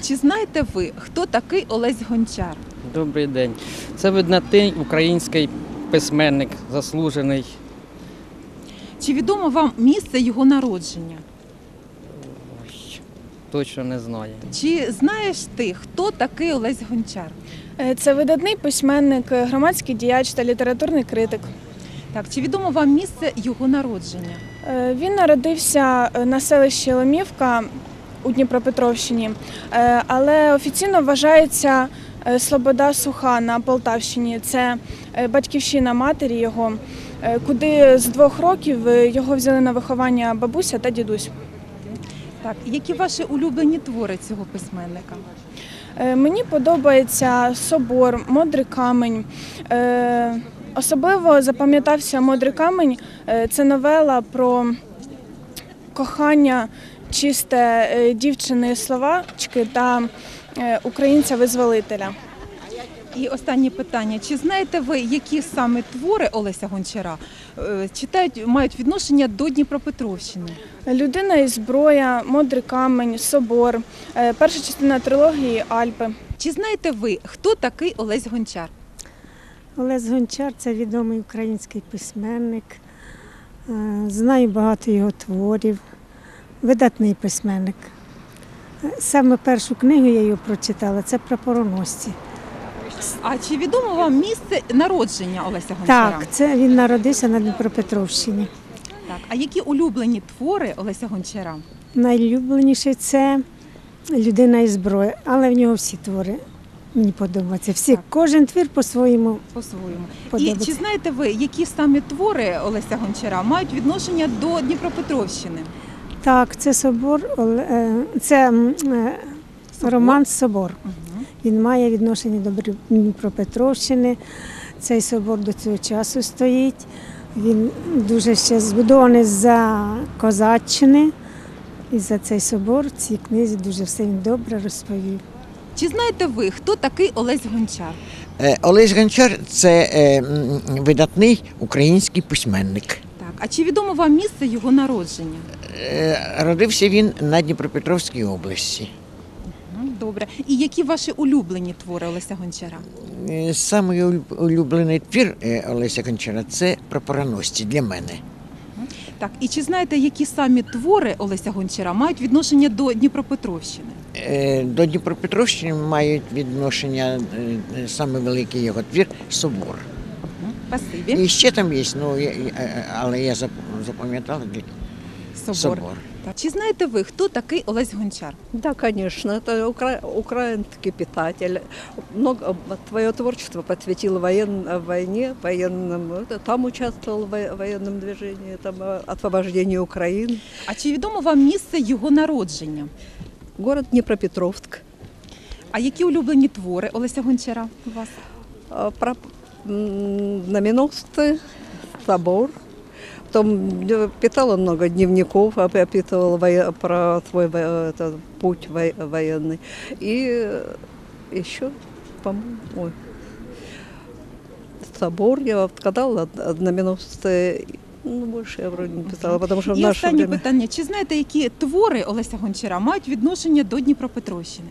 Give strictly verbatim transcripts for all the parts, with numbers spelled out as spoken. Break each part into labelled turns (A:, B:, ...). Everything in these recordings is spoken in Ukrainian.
A: Чи знаєте ви, хто такий Олесь Гончар?
B: Добрий день. Це видатний український письменник, заслужений.
A: Чи відомо вам місце його народження?
B: Ой, точно не знаю.
A: Чи знаєш ти, хто такий Олесь Гончар?
C: Це видатний письменник, громадський діяч та літературний критик.
A: Так, чи відомо вам місце його народження?
C: Він народився на селищі Ломівка у Дніпропетровщині, але офіційно вважається Слобода Суха на Полтавщині. Це батьківщина матері його, куди з двох років його взяли на виховання бабуся та дідусь.
A: Так, які ваші улюблені твори цього письменника?
C: Мені подобається «Собор», «Модрий камінь». Особливо запам'ятався «Модрий камінь». Це новела про кохання чисте дівчини-словачки та українця-визволителя.
A: І останнє питання. Чи знаєте ви, які саме твори Олеся Гончара читають, мають відношення до Дніпропетровщини?
C: «Людина і зброя», «Модрий камінь», «Собор», перша частина трилогії «Альпи».
A: Чи знаєте ви, хто такий Олесь Гончар?
D: Олесь Гончар – це відомий український письменник. Знаю багато його творів. Видатний письменник. Саме першу книгу я його прочитала – це «Прапороносці».
A: А чи відомо вам місце народження Олеся Гончара?
D: Так, це він народився на Дніпропетровщині.
A: Так. А які улюблені твори Олеся Гончара?
D: Найулюбленіший – це «Людина і зброя», але в нього всі твори мені подобаються. Всі,
A: Так.
D: Кожен твір по-своєму
A: По-своєму. І
D: подобається.
A: чи знаєте ви, які саме твори Олеся Гончара мають відношення до Дніпропетровщини?
D: Так, це собор, Оле- це м, е,
A: Собор?
D: роман «Собор».
A: Угу.
D: Він має відношення до Дніпропетровщини. Цей собор до цього часу стоїть. Він дуже ще збудований за Козаччини. І за цей собор в цій книзі дуже все він добре розповів.
A: Чи знаєте ви, хто такий Олесь Гончар?
E: Е, Олесь Гончар – це е, м, видатний український письменник.
A: Так. А чи відомо вам місце його народження?
E: Е, Родився він на Дніпропетровській області.
A: Ну, добре. І які ваші улюблені твори Олеся Гончара?
E: Е, Самий улюб- улюблений твір е, Олеся Гончара – це «Прапороносці» для мене.
A: Так. І чи знаєте, які самі твори Олеся Гончара мають відношення до Дніпропетровщини?
E: Е, До Дніпропетровщини мають відношення е, саме великий його твір «Собор».
A: Спасибі.
E: І ще там є, ну, я- я- але я зап- запам'ятала
A: Собор.
E: «Собор».
A: Так. Чи знаєте ви, хто такий Олесь Гончар?
F: Да, конечно, это укра... украинский писатель. Много твое творчество посвятил воен... войне, военным. это, Там участвовал в во- военном движении, там э, освобождении Украины.
A: А чи відомо вам місце його народження?
F: Город Днепропетровск.
A: А які улюблені твори Олеся Гончара у вас?
F: А, Про м, знаменосцы, собор. Потом э, писал он много дневников, оп- описывал вое- про свой во- это, путь во- военный. И э, еще, по-моему, ой, собор я вот сказала, а знаменосцы, ну, больше я вроде не писала, потому что в
A: І
F: наше
A: останнє
F: время...
A: питання. Чи знаєте, які твори Олеся Гончара мають відношення до Дніпропетровщини?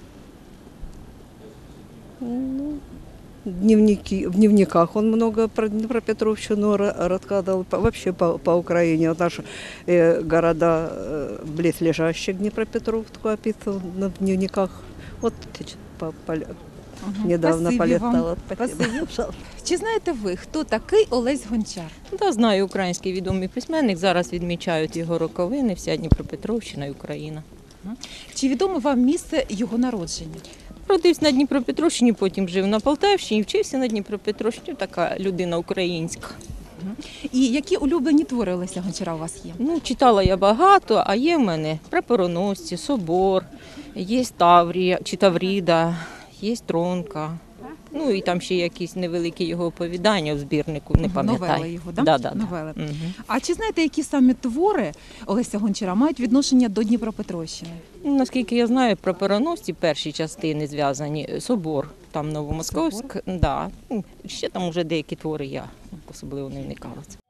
F: Ну, дневники, в дневниках он много про Днепропетровщину ра- рассказывал, по- вообще по, по Украине. Вот наши э, города э, близлежащие к Днепропетровску описывал на дневниках. Вот сейчас по, по,
A: Угу.
F: недавно
A: Спасибі вам.
F: полистала. Спасибо.
A: Спасибі. Чи знаєте ви, хто такий Олесь Гончар?
G: Та знаю, український відомий письменник. Зараз відмічають його роковини, вся Дніпропетровщина і Україна.
A: Чи відомо вам місце його народження?
G: Родився на Дніпропетровщині, потім жив на Полтавщині, вчився на Дніпропетровщині. Така людина українська.
A: І які улюблені твори Олеся Гончара у вас є?
G: Ну, читала я багато, а є в мене «Прапороносці», «Собор», є Таврія чи Тавріда, є Тронка. Ну і там ще якісь невеликі його оповідання в збірнику, не пам'ятаю.
A: Новели його, да?
G: Да, да, да.
A: Новели.
G: Мгм.
A: А чи знаєте, які саме твори Олеся Гончара мають відношення до Дніпропетровщини?
G: Ну, наскільки я знаю, «Прапороносці» перші частини зв'язані, «Собор», там Новомосковськ, да. Ну, ще там уже деякі твори я особливо не вникала.